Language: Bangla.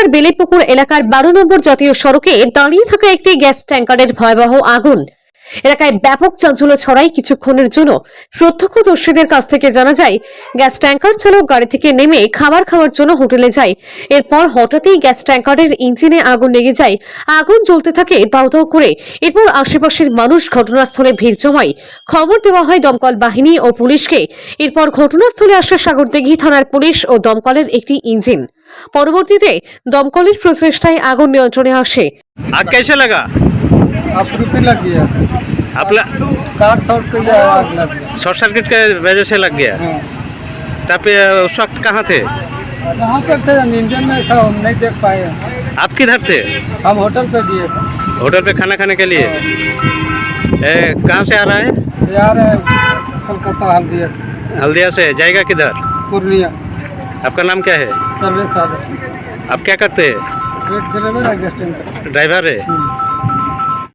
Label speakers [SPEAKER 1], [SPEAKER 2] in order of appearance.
[SPEAKER 1] জেলার বেলেপুকুর এলাকার 12 নম্বর জাতীয় সড়কে দাঁড়িয়ে থাকা একটি গ্যাস ট্যাঙ্কারের ভয়াবহ আগুন এলাকায় ব্যাপক চাঞ্চল্য ছড়ায়। কিছুক্ষণের জন্য প্রত্যক্ষদর্শীদের কাছ থেকে জানা যায়, গ্যাস ট্যাঙ্কার চালক গাড়ি থেকে নেমে খাবার খাওয়ার জন্য হোটেলে যায়। এরপর হঠাৎই গ্যাস ট্যাঙ্কারের ইঞ্জিনে আগুন লেগে যায়। আগুন জ্বলতে থাকে দাউ দাউ করে। এরপর আশেপাশের মানুষ ঘটনাস্থলে ভিড় জমায়। খবর দেওয়া হয় দমকল বাহিনী ও পুলিশকে। এরপর ঘটনাস্থলে আসে সাগরদিঘি থানার পুলিশ ও দমকলের একটি ইঞ্জিন। পরবর্তীতে দমকলের প্রচেষ্টায় আগুন নিয়ন্ত্রণে আসে।
[SPEAKER 2] आग कैसे लगा?
[SPEAKER 3] अप्रूपी लग गया।
[SPEAKER 2] आप
[SPEAKER 3] कार शॉर्ट के लिए आग लग गया।
[SPEAKER 2] शॉर्ट सर्किट के वजह से लग गया।
[SPEAKER 3] हाँ।
[SPEAKER 2] तब उस वक्त कहाँ थे?
[SPEAKER 3] कहाँ पर थे? इंजन में था, हम नहीं देख पाए।
[SPEAKER 2] आप किधर थे?
[SPEAKER 3] हम होटल पे दिए थे।
[SPEAKER 2] होटल पे खाना खाने के लिए। कहाँ से आ रहा है?
[SPEAKER 3] यार कोलकाता हल्दिया से।
[SPEAKER 2] हल्दिया से। जाएगा किधर?
[SPEAKER 3] पूर्णिया।
[SPEAKER 2] आपका नाम क्या है?
[SPEAKER 3] सर्वे साधन।
[SPEAKER 2] आप क्या करते हैं?
[SPEAKER 3] ड्राइवर है, गेस्ट टैंकर।
[SPEAKER 2] ड्राइवर है।